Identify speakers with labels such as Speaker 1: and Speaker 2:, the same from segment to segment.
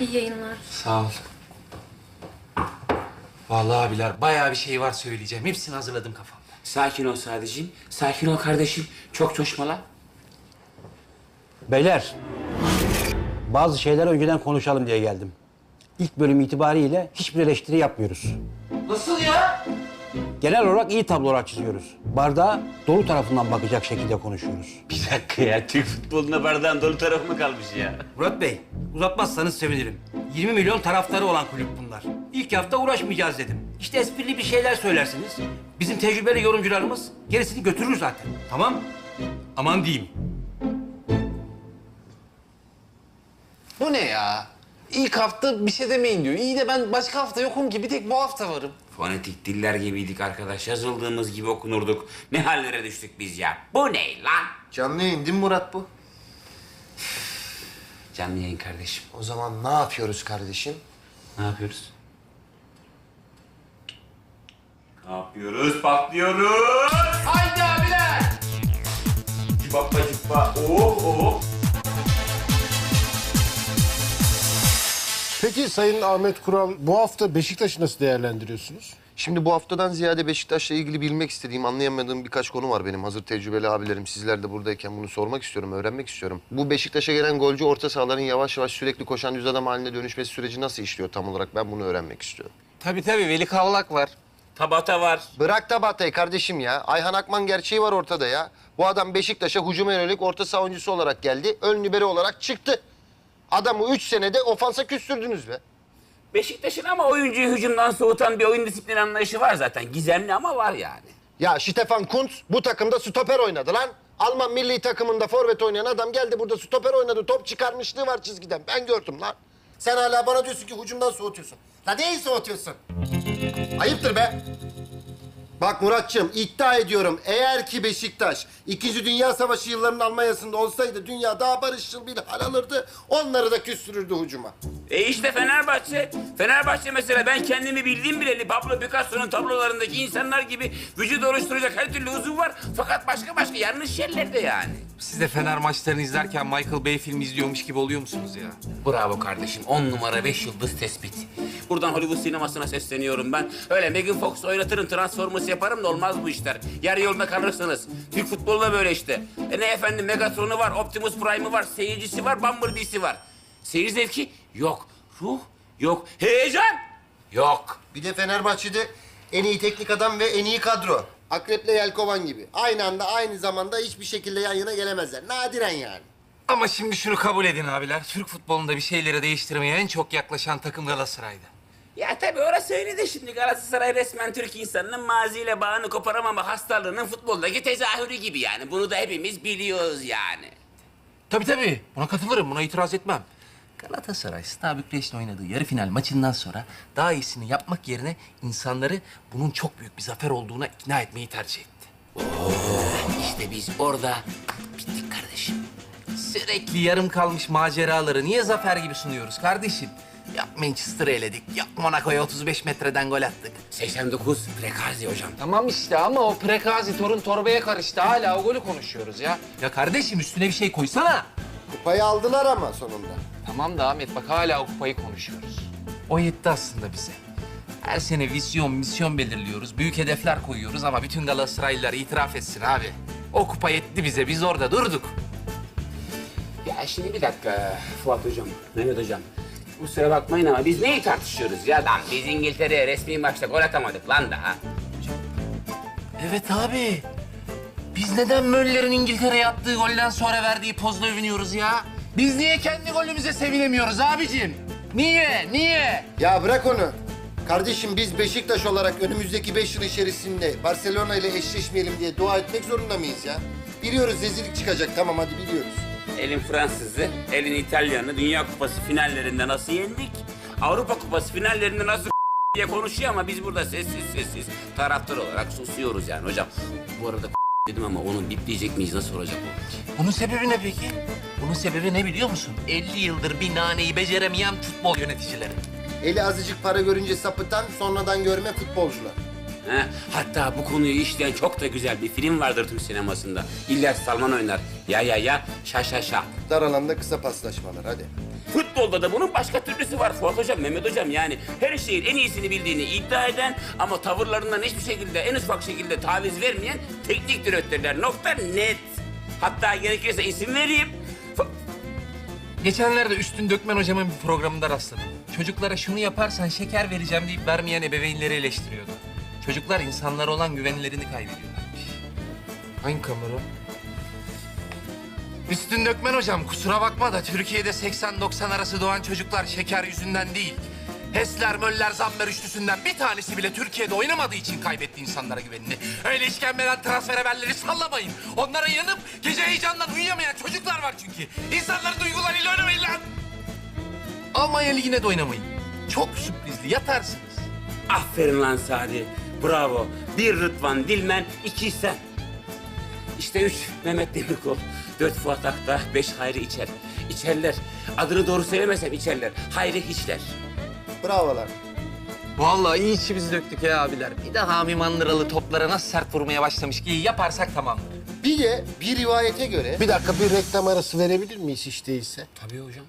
Speaker 1: iyi yayınlar.
Speaker 2: Sağ ol. Vallahi abiler bayağı bir şey var söyleyeceğim. Hepsini hazırladım kafamda.
Speaker 3: Sakin ol Sadeciğim. Sakin ol kardeşim. Çok coşmala.
Speaker 4: Beyler, bazı şeyler önceden konuşalım diye geldim. İlk bölüm itibariyle hiçbir eleştiri yapmıyoruz.
Speaker 2: Nasıl ya?
Speaker 4: Genel olarak iyi tablolar çiziyoruz. Bardağa dolu tarafından bakacak şekilde konuşuyoruz.
Speaker 3: Bir dakika ya. Türk futboluna bardağın dolu tarafı mı kalmış ya?
Speaker 4: Murat Bey, uzatmazsanız sevinirim. 20 milyon taraftarı olan kulüp bunlar. İlk hafta uğraşmayacağız dedim. İşte esprili bir şeyler söylersiniz. Bizim tecrübeli yorumcularımız gerisini götürür zaten. Tamam? Aman diyeyim.
Speaker 5: Bu ne ya? İlk hafta bir şey demeyin diyor. İyi de ben başka hafta yokum ki. Bir tek bu hafta varım.
Speaker 3: Fonetik diller gibiydik arkadaş. Yazıldığımız gibi okunurduk. Ne hallere düştük biz ya? Bu ne lan?
Speaker 6: Canlı yayın değil mi Murat bu?
Speaker 3: Canlı yayın kardeşim.
Speaker 6: O zaman ne yapıyoruz kardeşim?
Speaker 3: Ne yapıyoruz? Ne yapıyoruz? Patlıyoruz. Haydi abiler. Cibappa cibba. Oh oh.
Speaker 7: Peki Sayın Ahmet Kural, bu hafta Beşiktaş'ı nasıl değerlendiriyorsunuz?
Speaker 6: Şimdi bu haftadan ziyade Beşiktaş'la ilgili bilmek istediğim, anlayamadığım birkaç konu var benim. Hazır tecrübeli abilerim, sizler de buradayken bunu sormak istiyorum, öğrenmek istiyorum. Bu Beşiktaş'a gelen golcü orta sahaların yavaş yavaş sürekli koşan düz adam haline dönüşmesi süreci nasıl işliyor tam olarak? Ben bunu öğrenmek istiyorum.
Speaker 5: Tabii Veli Kavlak var.
Speaker 3: Tabata var.
Speaker 6: Bırak da Batay kardeşim ya. Ayhan Akman gerçeği var ortada ya. Bu adam Beşiktaş'a hücuma yönelik orta saha oyuncusu olarak geldi. Ön libero olarak çıktı. Adamı 3 senede ofansa küstürdünüz be.
Speaker 3: Beşiktaş'ın ama oyuncuyu hücumdan soğutan bir oyun disiplini anlayışı var zaten. Gizemli ama var yani.
Speaker 6: Ya Stefan Kuntz bu takımda stoper oynadı lan. Alman milli takımında forvet oynayan adam geldi burada stoper oynadı. Top çıkarmışlığı var çizgiden. Ben gördüm lan. Sen hala bana diyorsun ki hücumdan soğutuyorsun. La neyi soğutuyorsun? Ayıptır be. Bak Muratçığım iddia ediyorum eğer ki Beşiktaş 2. Dünya Savaşı yıllarının Almanya'sında olsaydı dünya daha barışçıl bir hal alırdı. Onları da küstürürdü hücuma.
Speaker 3: İşte Fenerbahçe. Fenerbahçe mesela ben kendimi bildiğim bileli Pablo Picasso'nun tablolarındaki insanlar gibi vücut oluşturacak her türlü uzun var. Fakat başka yanlış yerlerde yani.
Speaker 2: Siz de Fener maçlarını izlerken Michael Bay filmi izliyormuş gibi oluyor musunuz ya?
Speaker 3: Bravo kardeşim. 10 numara 5 yıldız tespit. Buradan Hollywood sinemasına sesleniyorum ben. Öyle Megan Fox oynatırım, Transformers yaparım da olmaz bu işler. Yarı yolda kalırsınız. Türk futbolu da böyle işte. Ne efendim Megatron'u var, Optimus Prime'ı var, seyircisi var, Bumblebee'si var. Seyir zevki yok. Ruh yok. Heyecan yok.
Speaker 6: Bir de Fenerbahçe'de en iyi teknik adam ve en iyi kadro. Akrep'le Yelkovan gibi. Aynı anda aynı zamanda hiçbir şekilde yan yana gelemezler. Nadiren yani.
Speaker 2: Ama şimdi şunu kabul edin abiler. Türk futbolunda bir şeyleri değiştirmeye en çok yaklaşan takım Galatasaray'dı.
Speaker 3: Ya tabii orası öyle de şimdi Galatasaray resmen Türk insanının maziyle bağını koparamama hastalığının futboldaki tezahürü gibi yani. Bunu da hepimiz biliyoruz yani.
Speaker 2: Tabii. Buna katılırım. Buna itiraz etmem. Galatasaray, Steaua Bükreş'le oynadığı yarı final maçından sonra daha iyisini yapmak yerine insanları bunun çok büyük bir zafer olduğuna ikna etmeyi tercih etti.
Speaker 3: İşte biz orada bittik kardeşim.
Speaker 2: Sürekli yarım kalmış maceraları niye zafer gibi sunuyoruz kardeşim? Yok Manchester'ı eledik, yok Monaco'ya 35 metreden gol attık.
Speaker 3: 89 Prekazi hocam.
Speaker 5: Tamam işte ama o Prekazi torun torbaya karıştı. Hala o golü konuşuyoruz ya.
Speaker 2: Ya kardeşim üstüne bir şey koysana.
Speaker 6: Kupayı aldılar ama sonunda.
Speaker 5: Tamam da Ahmet bak hala o kupayı konuşuyoruz.
Speaker 2: O yetti aslında bize. Her sene vizyon, misyon belirliyoruz, büyük hedefler koyuyoruz ama bütün Galatasaraylılar itiraf etsin abi. O kupa yetti bize, biz orada durduk.
Speaker 3: Ya şimdi bir dakika Fuat hocam, Mehmet hocam. Kusura bakmayın ama biz neyi tartışıyoruz ya lan? Biz İngiltere'ye resmi maçta gol atamadık lan daha.
Speaker 2: Evet abi. Biz neden Möller'in İngiltere'ye attığı golden sonra verdiği pozla övünüyoruz ya? Biz niye kendi golümüze sevinemiyoruz abicim? Niye?
Speaker 6: Ya bırak onu. Kardeşim biz Beşiktaş olarak önümüzdeki 5 yıl içerisinde Barcelona ile eşleşmeyelim diye dua etmek zorunda mıyız ya? Biliyoruz rezillik çıkacak tamam hadi biliyoruz.
Speaker 3: Elin Fransız'ı, elin İtalyan'ı Dünya Kupası finallerinde nasıl yendik? Avrupa Kupası finallerinde nasıl diye konuşuyor ama biz burada sessiz taraftar olarak susuyoruz yani hocam. Bu arada dedim ama onu bipleyecek miyiz? Nasıl olacak o?
Speaker 2: Bunun sebebi ne peki? Bunun sebebi ne biliyor musun? 50 yıldır bir naneyi beceremeyen futbol yöneticileri.
Speaker 6: Eli azıcık para görünce sapıtan sonradan görme futbolcular.
Speaker 3: He? Hatta bu konuyu işleyen çok da güzel bir film vardır Türk sinemasında. İlyas Salman oynar. Ya, şa şa şa.
Speaker 6: Dar alanda kısa paslaşmalar hadi.
Speaker 3: Futbolda da bunun başka türlüsü var Fuat Hocam, Mehmet Hocam. Yani her şeyin en iyisini bildiğini iddia eden ama tavırlarından hiçbir şekilde, en ufak şekilde taviz vermeyen teknik direktörler. Nokta net. Hatta gerekirse isim vereyim.
Speaker 2: Geçenlerde Üstün Dökmen hocamın bir programında rastladım. Çocuklara şunu yaparsan şeker vereceğim deyip vermeyen ebeveynleri eleştiriyordu. Çocuklar insanlara olan güvenlerini kaybediyorlarmış. Hangi kamera? Üstün Dökmen hocam kusura bakma da Türkiye'de 80-90 arası doğan çocuklar şeker yüzünden değil. Hesler, Möller, Zammer üçlüsünden bir tanesi bile Türkiye'de oynamadığı için kaybetti insanlara güvenini. Öyle işkembeden transfer haberleri sallamayın. Onlara yanıp gece heyecandan uyuyamayan çocuklar var çünkü. İnsanların duygularıyla oynamayın lan. Almanya Ligi'ne de oynamayın. Çok sürprizli, yatarsınız.
Speaker 3: Aferin lan Sadi. Bravo. 1 Rıdvan Dilmen, 2 sen. İşte 3 Mehmet Demirkol, 4 Fuat Akta, 5 Hayri İçer. İçerler. Adını doğru söylemesem içerler. Hayri hiçler.
Speaker 6: Bravolar.
Speaker 2: Vallahi iyi içimizi döktük ya abiler. Bir de Hami Mandıralı toplara nasıl sert vurmaya başlamış ki yaparsak tamamdır.
Speaker 6: Bir de bir rivayete göre...
Speaker 7: Bir dakika bir reklam arası verebilir miyiz hiç değilse?
Speaker 3: Tabii hocam.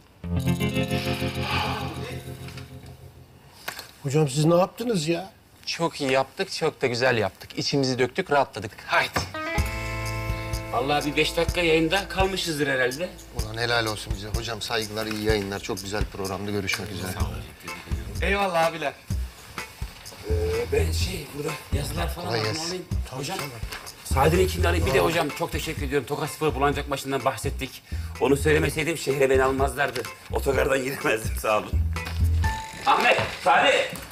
Speaker 7: Hocam siz ne yaptınız ya?
Speaker 2: Çok iyi yaptık, çok da güzel yaptık. İçimizi döktük, rahatladık. Haydi.
Speaker 3: Vallahi bir 5 dakika yayında kalmışızdır herhalde.
Speaker 6: Ulan helal olsun bize. Hocam saygılar, iyi yayınlar. Çok güzel programda görüşmek üzere.
Speaker 2: Eyvallah abiler.
Speaker 3: Ben burada yazılar falan
Speaker 6: Kolay
Speaker 3: var,
Speaker 6: gelsin.
Speaker 3: alayım. Hocam. Sadi'nin kimini alayım. Bir de hocam çok teşekkür ediyorum. Tokat Spor Bulancak maçından bahsettik. Onu söylemeseydim şehre beni almazlardı. Otogardan giremezdim, sağ olun. Ahmet, Sadi.